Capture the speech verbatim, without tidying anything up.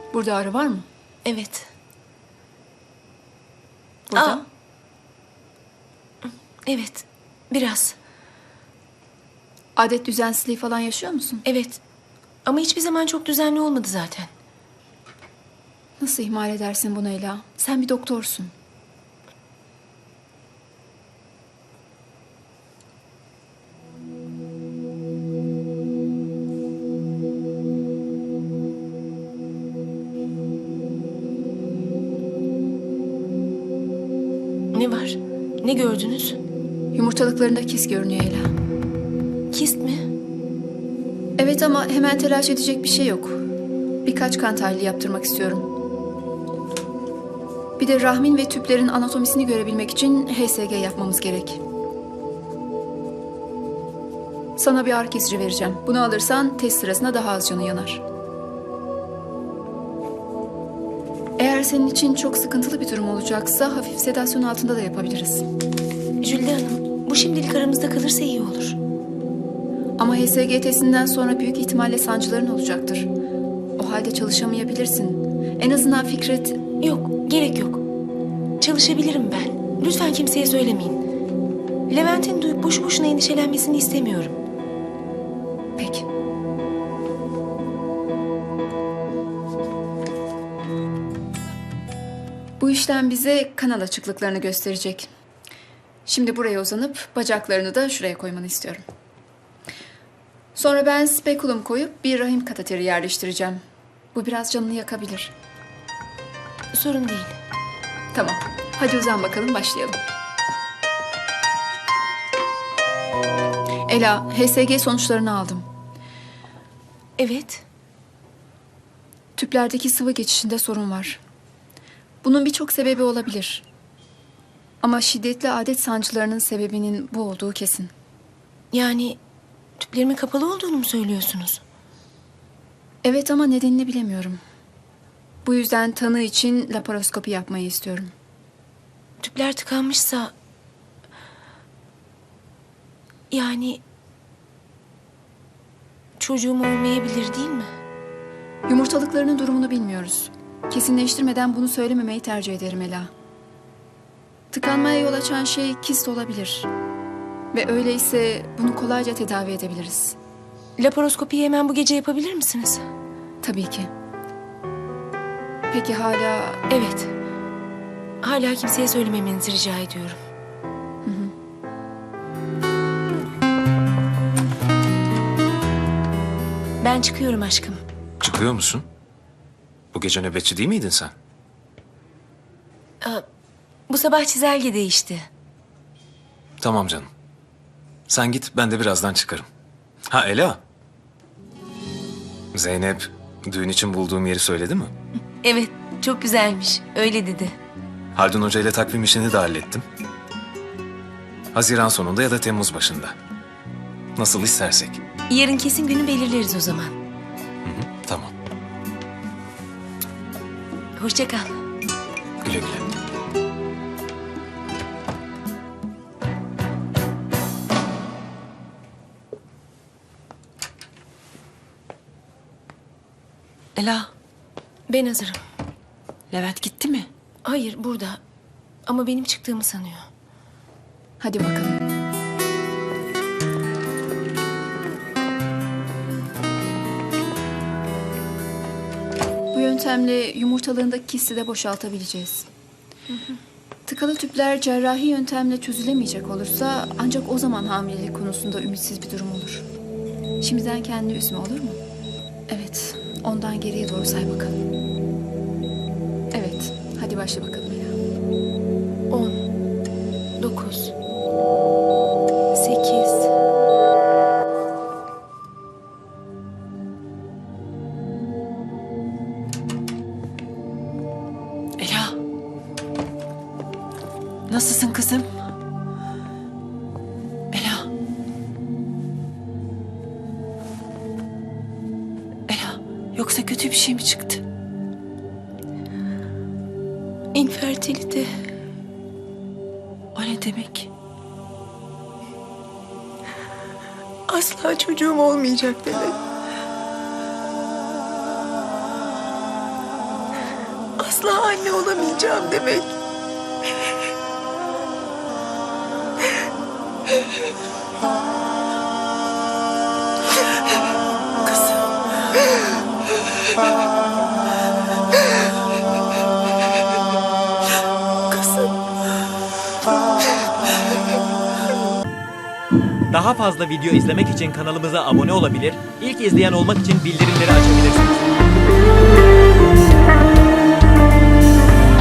Burada ağrı var mı? Evet. Burada? Aa. Evet. Biraz. Adet düzensizliği falan yaşıyor musun? Evet. Ama hiçbir zaman çok düzenli olmadı zaten. Nasıl ihmal edersin bunu Ela? Sen bir doktorsun. Ne var? Ne gördünüz? Yumurtalıklarında kis görünüyor Ela. Kist mi? Evet ama hemen telaş edecek bir şey yok. Birkaç kan tahlili yaptırmak istiyorum. Bir de rahmin ve tüplerin anatomisini görebilmek için H S G yapmamız gerek. Sana bir ağrı kesici vereceğim. Bunu alırsan test sırasında daha az canı yanar. Eğer senin için çok sıkıntılı bir durum olacaksa hafif sedasyon altında da yapabiliriz. Jülde Hanım, bu şimdilik aramızda kalırsa iyi olur. Ama H S G testinden sonra büyük ihtimalle sancıların olacaktır. O halde çalışamayabilirsin. En azından Fikret... Yok, gerek yok. Çalışabilirim ben. Lütfen kimseye söylemeyin. Levent'in duyup boşu boşuna endişelenmesini istemiyorum. Peki. Bu işlem bize kanal açıklıklarını gösterecek. Şimdi buraya uzanıp bacaklarını da şuraya koymanı istiyorum. Sonra ben spekulum koyup bir rahim kateteri yerleştireceğim. Bu biraz canını yakabilir. Sorun değil. Tamam. Hadi uzan bakalım, başlayalım. Ela, H S G sonuçlarını aldım. Evet. Tüplerdeki sıvı geçişinde sorun var. Bunun birçok sebebi olabilir. Ama şiddetli adet sancılarının sebebinin bu olduğu kesin. Yani tüplerimin kapalı olduğunu mu söylüyorsunuz? Evet ama nedenini bilemiyorum. Bu yüzden tanı için laparoskopi yapmayı istiyorum. Tüpler tıkanmışsa... Yani... Çocuğum olmayabilir değil mi? Yumurtalıklarının durumunu bilmiyoruz. Kesinleştirmeden bunu söylememeyi tercih ederim Ela. Tıkanmaya yol açan şey kist olabilir. Ve öyleyse bunu kolayca tedavi edebiliriz. Laparoskopiyi hemen bu gece yapabilir misiniz? Tabii ki. Peki hala... Evet. Hala kimseye söylememenizi rica ediyorum. Hı hı. Ben çıkıyorum aşkım. Çıkıyor musun? Bu gece nöbetçi değil miydin sen? Aa, bu sabah çizelge değişti. Tamam canım. Sen git, ben de birazdan çıkarım. Ha Ela. Zeynep düğün için bulduğum yeri söyledi mi? Evet, çok güzelmiş. Öyle dedi. Haldun Hoca ile takvim işini de hallettim. Haziran sonunda ya da Temmuz başında. Nasıl istersek. Yarın kesin günü belirleriz o zaman. Hı hı, tamam. Hoşça kal. Güle güle. Ela, Ben hazırım. Levent gitti mi? Hayır, burada. Ama benim çıktığımı sanıyor. Hadi bakalım. Bu yöntemle yumurtalığındaki kisti de boşaltabileceğiz. Hı hı. Tıkalı tüpler cerrahi yöntemle çözülemeyecek olursa ancak o zaman hamilelik konusunda ümitsiz bir durum olur. Şimdiden kendini üzme, olur mu? Evet, ondan geriye doğru say bakalım. Evet, hadi başla bakalım Ela. On, dokuz, sekiz... Ela. Nasılsın kızım? Ela. Ela, yoksa kötü bir şey mi çıktı? İnfertilite. O ne demek? Asla çocuğum olmayacak demek. Asla anne olamayacağım demek. Daha fazla video izlemek için kanalımıza abone olabilir, ilk izleyen olmak için bildirimleri açabilirsiniz.